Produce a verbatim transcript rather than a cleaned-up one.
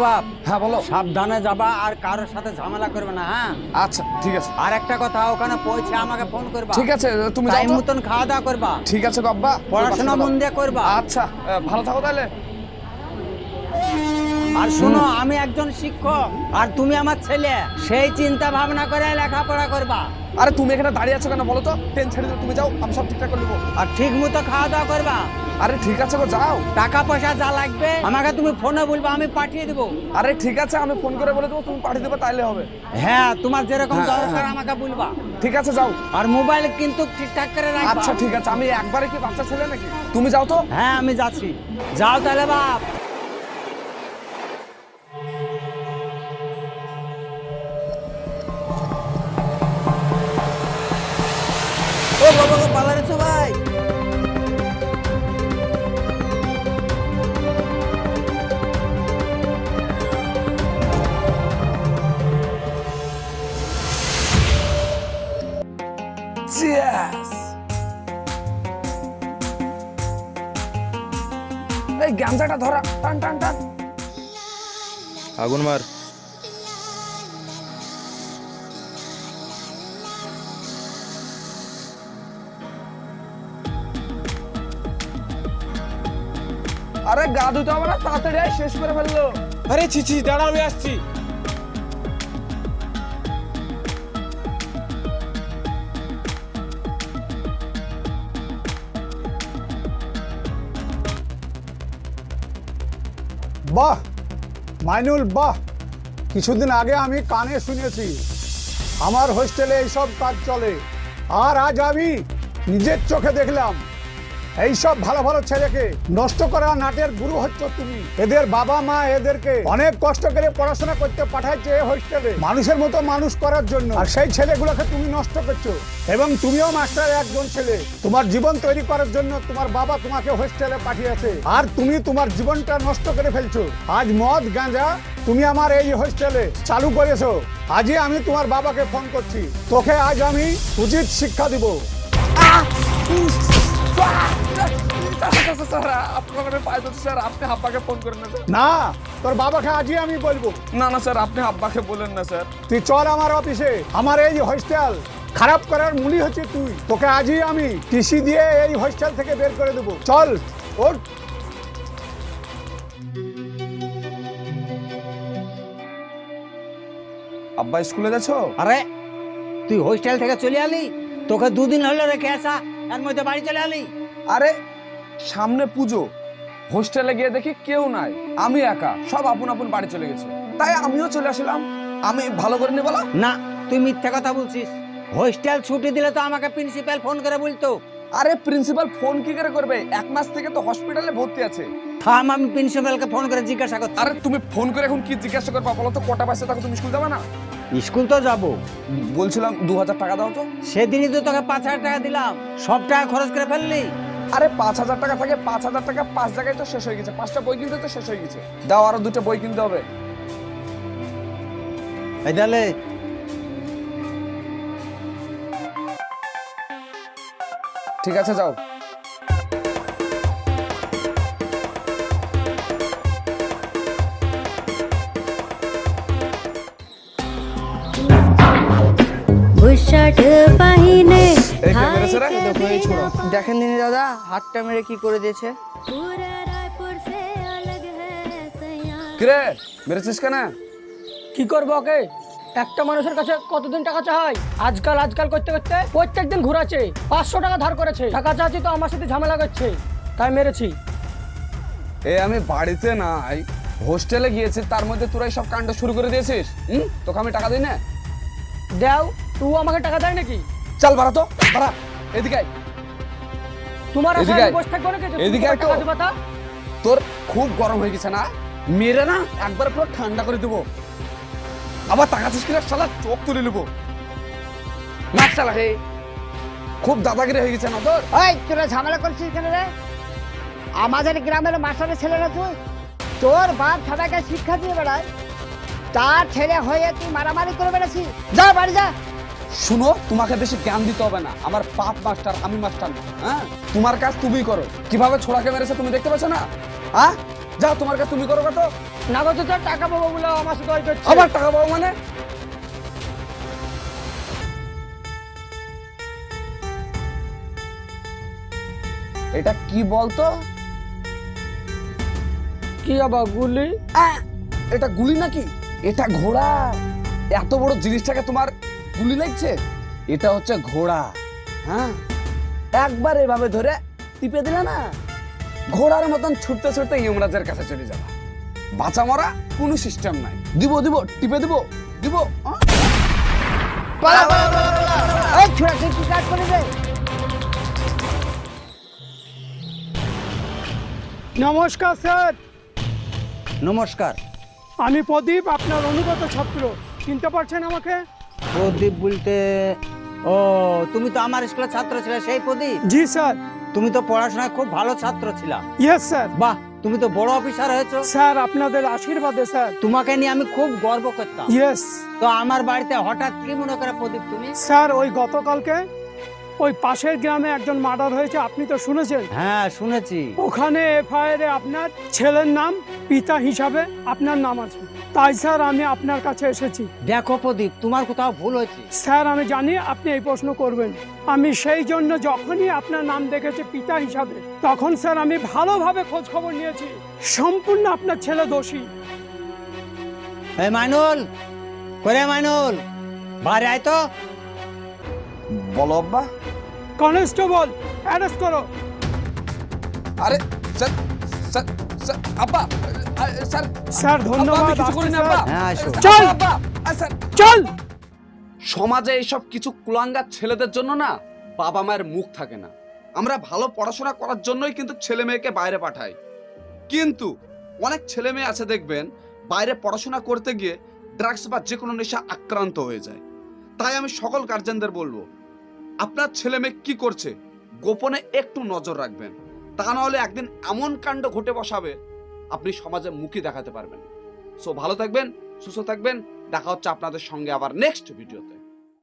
বাপ। হ্যাঁ বলো। সাবধানে যাবা আর কারোর সাথে ঝামেলা করবে না। হ্যাঁ আচ্ছা ঠিক আছে। আর একটা কথা, ওখানে পৌঁছে আমাকে ফোন করবা। ঠিক আছে, তুমি যাও টাইম তো। মতন খাওয়া দাওয়া করবা। ঠিক আছে বাবা, পড়াশোনা মন দিয়ে করবা। আচ্ছা ভালো থাকো তাহলে। আর শোনো, আমি একজন শিক্ষক আর তুমি আমার ছেলে, সেই চিন্তা ভাবনা করে লেখাপড়া করবা। আরে তুমি এখানে দাঁড়িয়ে আছো কেন বলো তো? ট্রেন ছেড়ে দিও, তুমি যাও, আমি সব ঠিকঠাক করে নেবো। আর ঠিক মতো খাওয়া দাওয়া করবা। আরে ঠিক আছে গো, যাও। টাকা পয়সা যা লাগবে আমাকে তুমি ফোনে বলবা, আমি পাঠিয়ে দেবো। আরে ঠিক আছে, আমি ফোন করে বলে দেবো, তুমি পাঠিয়ে দেবো, তাইলে হবে। হ্যাঁ, তোমার যেরকম হ্যাঁ, দরকার হ্যাঁ। আমাকে বলবা। ঠিক আছে যাও। আর মোবাইল কিন্তু ঠিকঠাক করে রাখবা। আচ্ছা ঠিক আছে, আমি একবারে কি বাচ্চা ছেলে নাকি? তুমি যাও তো। হ্যাঁ আমি যাচ্ছি, যাও তাহলে বাপ। ও বাবা গো, পালা রেছো ভাই। Cheers! এই গামছাটা ধরা, টান টান টান। আগুন মার। আরে গা ধুতে হবে না, তাড়াতাড়ি আয়, শেষ করে ফেললো। আরে ছিছি, দাঁড়া, আমি আসছি। বাহ মাইনুল, বাহ। কিছুদিন আগে আমি কানে শুনেছি আমার হোস্টেলে এইসব কাজ চলে, আর আজ আমি নিজের চোখে দেখলাম এইসব ভালো ভালো ছেলেকে নষ্ট করা নাটের গুরু হচ্ছে তুমি। এদের বাবা মা এদেরকে অনেক কষ্ট করে পড়াশোনা করতে পাঠাচ্ছে এই হোস্টেলে, মানুষের মতো মানুষ করার জন্য, আর সেই ছেলেগুলোকে তুমি নষ্ট করছো। এবং তুমিও মাস্টারের একজন ছেলে, তোমার জীবন তৈরি করার জন্য তোমার বাবা তোমাকে হোস্টেলে পাঠিয়েছে, আর তুমি তোমার জীবনটা নষ্ট করে ফেলছো। আজ মদ গাঁজা তুমি আমার এই হোস্টেলে চালু করেছো। আজই আমি তোমার বাবাকে ফোন করছি, তোকে আজ আমি উচিত শিক্ষা দিব। আপনি আব্বাকে ফোন করেন না স্যার। না, তোর বাবাকে আজই আমি বলবো। না না স্যার, আপনি আব্বাকে বলেন না স্যার। তুই চল আমার অফিসে, আমার এই হোস্টেল খারাপ করার মূলই হচ্ছে তুই। তোকে আজই আমি টিসি দিয়ে এই হোস্টেল থেকে বের করে দেবো। চল ওঠ। আব্বা স্কুলে যাচ্ছো? আরে তুই হোস্টেল থেকে চলে আলি, তোকে দুদিন হলো রেখে আসা, এর মধ্যে বাড়ি চলে আলি। আরে সামনে পুজো, হোস্টেলে গিয়ে দেখি কেউ নাই, আমি একা, সব আপন আপন বাড়ি চলে গেছে, তাই আমিও চলে আসলাম। আমি ভালো করে নি বলা? না, তুই মিথ্যা কথা বলছিস। হোস্টেল ছুটি দিলে তো আমাকে প্রিন্সিপাল ফোন করে বলতো। আরে প্রিন্সিপাল ফোন কি করে করবে? এক মাস থেকে তো হসপিটালে ভর্তি আছে। থাম, আমি প্রিন্সিপালকে ফোন করে জিজ্ঞাসা করছি। আরে তুমি ফোন করে এখন কি জিজ্ঞাসা করবা বলো তো? কটা বাজে তখন তুমি স্কুল যাবে না? স্কুল তো যাবো। বলছিলাম দু হাজার টাকা দাও তো। সেদিনই তো তোকে পাঁচ হাজার টাকা দিলাম, সব টাকা খরচ করে ফেললি। আরে পাঁচ হাজার টাকা থাকে, পাঁচ হাজার টাকা পাঁচ জায়গায় তো শেষ হয়ে গেছে, পাঁচটা বই কিনতে তো শেষ হয়ে গেছে। দাও, আরো দুটো বই কিনতে হবে। এই তাহলে ঠিক আছে যাও। দেখেন দিনি দাদা, হাতটা মেরে কি করে দিয়েছে। কিরে মেরেছিস কেন? কি করবো ওকে? একটা মানুষের কাছে কতদিন টাকা চাই? আজকাল আজকাল করতে করতে প্রত্যেক দিন ঘুরাচ্ছে, পাঁচশো টাকা ধার করেছে। টাকা চাচ্ছি তো আমার সাথে ঝামেলা করছে, তাই মেরেছি। এ আমি বাড়িতে নাই, হোস্টেলে গিয়েছি, তার মধ্যে তোরা সব কাণ্ড শুরু করে দিয়েছিস। হুম, তোকে আমি টাকা দিই না? দেও, তুই আমাকে টাকা দেয় নাকি? চল বাড়া তো, বাড়া এদিকে আয়। তোমার এদিকে আশায় আয়। বসে থাকবো নাকি? এদিকে আয় তো। টাকা দিবা তা? তোর খুব গরম হয়ে গেছে না? মেরে না একবার পুরো ঠান্ডা করে দেবো। আবার তাকাচ্ছিস কিনা শালা, চোখ তুলে নেবো। না শালা হে, খুব দাদাগিরি হয়ে গেছে না তোর? ওই তোরা ঝামেলা করছিস কেন রে? আমাদের গ্রামের মাস্টারের ছেলেরা তুই, তোর বাপ সবাইকে শিক্ষা দিয়ে বেড়ায়, তার ছেলে হয়ে তুই মারামারি করে বেড়াচ্ছিস। যা বাড়ি যা। শুনো, তোমাকে বেশি জ্ঞান দিতে হবে না, আমার বাপ মাস্টার, আমি মাস্টার না। হ্যাঁ, তোমার কাজ তুমিই করো। কিভাবে ছোড়াকে মেরেছে তুমি দেখতে পাচ্ছ না? হ্যাঁ, যাও তোমার কাছে তুমি করো তো। না গো চাচা, টাকা পাবো বলে আমার সাথে ওই করছে। আবার টাকা পাবো মানে? এটা কি বলতো? কি আবার গুলি? আহ, এটা গুলি নাকি? এটা ঘোড়া। এত বড় জিনিসটাকে তোমার গুলি লাগছে? এটা হচ্ছে ঘোড়া। হ্যাঁ, একবার এভাবে ধরে টিপে দিলে না, ঘোড়ার মতন ছুটতে ছুটতে ইমরাজের কাছে চলে যাবা। বাঁচা মরা কোনো সিস্টেম নাই। দিব দিব টিপে দিব দিব। আহ? এই ছোড়া, তুই কি কাজ করে রে? নমস্কার স্যার, নমস্কার। আমি প্রদীপ, আপনার অনুগত ছাত্র। চিনতে পারছেন আমাকে? প্রদীপ বলতে, ও তুমি তো আমার স্কুলের ছাত্র ছিলে, সেই প্রদীপ? জি স্যার। তুমি তো পড়াশোনায় খুব ভালো ছাত্র ছিলা। Yes sir. বাহ, তুমি তো বড় অফিসার হয়েছো। স্যার আপনাদের আশীর্বাদে স্যার। তোমাকে নিয়ে আমি খুব গর্ব করতাম। ইয়েস তো আমার বাড়িতে হঠাৎ কি মনে করে প্রদীপ তুমি? স্যার, ওই গতকালকে ওই পাশের গ্রামে একজন মার্ডার হয়েছে, আপনি তো শুনেছেন? হ্যাঁ শুনেছি। ওখানে এফআইআর এ আপনার ছেলের নাম, পিতা হিসাবে আপনার নাম আছে। তাই স্যার আমি আপনার কাছে এসেছি। দেখো প্রদীপ, তোমার কোথাও ভুল হয়েছে। স্যার আমি জানি আপনি এই প্রশ্ন করবেন, আমি সেই জন্য যখনই আপনার নাম দেখেছি পিতা হিসাবে, তখন স্যার আমি ভালোভাবে খোঁজ খবর নিয়েছি। সম্পূর্ণ আপনার ছেলে দোষী। এই মাইনুল, করে মাইনুল, বাইরে আয় তো। বলো আব্বা। কনস্টেবল, অ্যারেস্ট করো। আরে স্যার স্যার স্যার আব্বা, আরে, স্যার স্যার আব্বা, ধন্যবাদ। আমি কিছু করিনি আব্বা। হ্যাঁ, আসো। চল। আব্বা, আরে, স্যার চল। সমাজে এইসব কিছু কুলাঙ্গার ছেলেদের জন্য না বাবা মায়ের মুখ থাকে না। আমরা ভালো পড়াশোনা করার জন্যই কিন্তু ছেলে মেয়েকে বাইরে পাঠাই, কিন্তু অনেক ছেলে মেয়ে আছে দেখবেন বাইরে পড়াশোনা করতে গিয়ে ড্রাগস বা যে কোনো নেশা আক্রান্ত হয়ে যায়। তাই আমি সকল গার্জেনদের বলবো, আপনার ছেলে মেয়ে কি করছে গোপনে একটু নজর রাখবেন, তা না হলে একদিন এমন কাণ্ড ঘটে বসাবে আপনি সমাজে মুখই দেখাতে পারবেন। সো ভালো থাকবেন, সুস্থ থাকবেন, দেখা হচ্ছে আপনাদের সঙ্গে আবার নেক্সট ভিডিওতে।